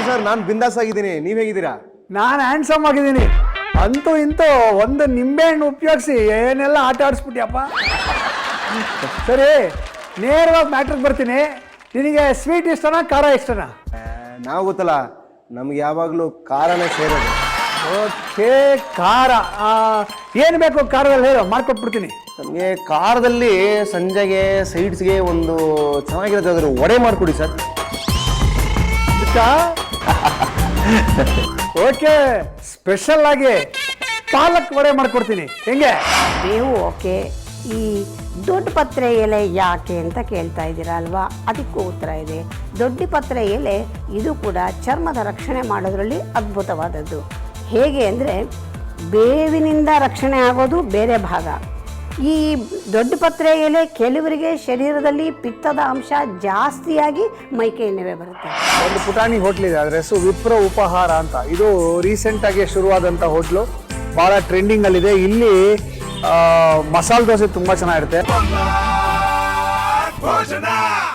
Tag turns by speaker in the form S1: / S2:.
S1: Sir, ನಾನು ಬಿಂದಾಸ್ ಆಗಿದ್ದೀನಿ. ನೀವ್ ಹೇಗಿದ್ದೀರಾ?
S2: ನಾನು ಹ್ಯಾಂಡ್ಸಮ್ ಆಗಿದ್ದೀನಿ. ಅಂತೂ ಇಂತೂ ಒಂದು ನಿಂಬೆಹಣ್ಣು ಉಪಯೋಗಿಸಿ ಏನೆಲ್ಲ ಆಟ ಆಡಿಸ್ಬಿಟ್ಯಪ್ಪ. ಸರಿ, ನೇರವಾಗಿ ಮ್ಯಾಟ್ರಿಗೆ ಬರ್ತೀನಿ. ನಿನಗೆ ಸ್ವೀಟ್ ಇಷ್ಟನಾ ಖಾರ ಇಷ್ಟನಾ?
S1: ನಾವು ಗೊತ್ತಲ್ಲ, ನಮ್ಗೆ ಯಾವಾಗಲೂ ಖಾರನೇ ಸೇರೋದು.
S2: ಓಕೆ, ಖಾರ. ಏನು ಬೇಕು ಖಾರದಲ್ಲಿ ಹೇಳು, ಮಾಡ್ಕೊಟ್ಬಿಡ್ತೀನಿ.
S1: ನಮಗೆ ಖಾರದಲ್ಲಿ ಸಂಜೆಗೆ ಸೈಡ್ಸ್ಗೆ ಒಂದು ಚೆನ್ನಾಗಿರೋದಾದ್ರು ವಡೆ ಮಾಡಿಕೊಡಿ ಸರ್.
S2: ಓಕೆ, ಸ್ಪೆಷಲ್ ಆಗಿ ಪಾಲಕ್ ವಡೆ ಮಾಡ್ಕೊಡ್ತೀನಿ. ಹೆಂಗೆ?
S3: ನೀವು ಓಕೆ. ಈ ದೊಡ್ಡ ಪತ್ರೆ ಎಲೆ ಯಾಕೆ ಅಂತ ಕೇಳ್ತಾ ಇದ್ದೀರಾ ಅಲ್ವಾ? ಅದಕ್ಕೂ ಉತ್ತರ ಇದೆ. ದೊಡ್ಡ ಪತ್ರೆ ಎಲೆ ಇದು ಕೂಡ ಚರ್ಮದ ರಕ್ಷಣೆ ಮಾಡೋದ್ರಲ್ಲಿ ಅದ್ಭುತವಾದದ್ದು. ಹೇಗೆ ಅಂದರೆ, ಬೇವಿನಿಂದ ರಕ್ಷಣೆ ಆಗೋದು ಬೇರೆ ಭಾಗ. ಈ ದೊಡ್ಡ ಪತ್ರೆ ಎಲೆ ಕೆಲವರಿಗೆ ಶರೀರದಲ್ಲಿ ಪಿತ್ತದ ಅಂಶ ಜಾಸ್ತಿಯಾಗಿ ಮೈಕೈ ನೋವೇ ಬರುತ್ತೆ.
S2: ಒಂದು ಪುಟಾಣಿ ಹೋಟ್ಲಿದೆ, ಅದರ ಹೆಸರು ವಿಪ್ರ ಉಪಹಾರ ಅಂತ. ಇದು ರೀಸೆಂಟಾಗಿ ಶುರುವಾದಂಥ ಹೋಟ್ಲು, ಭಾಳ ಟ್ರೆಂಡಿಂಗಲ್ಲಿದೆ. ಇಲ್ಲಿ ಮಸಾಲೆ ದೋಸೆ ತುಂಬ ಚೆನ್ನಾಗಿರುತ್ತೆ.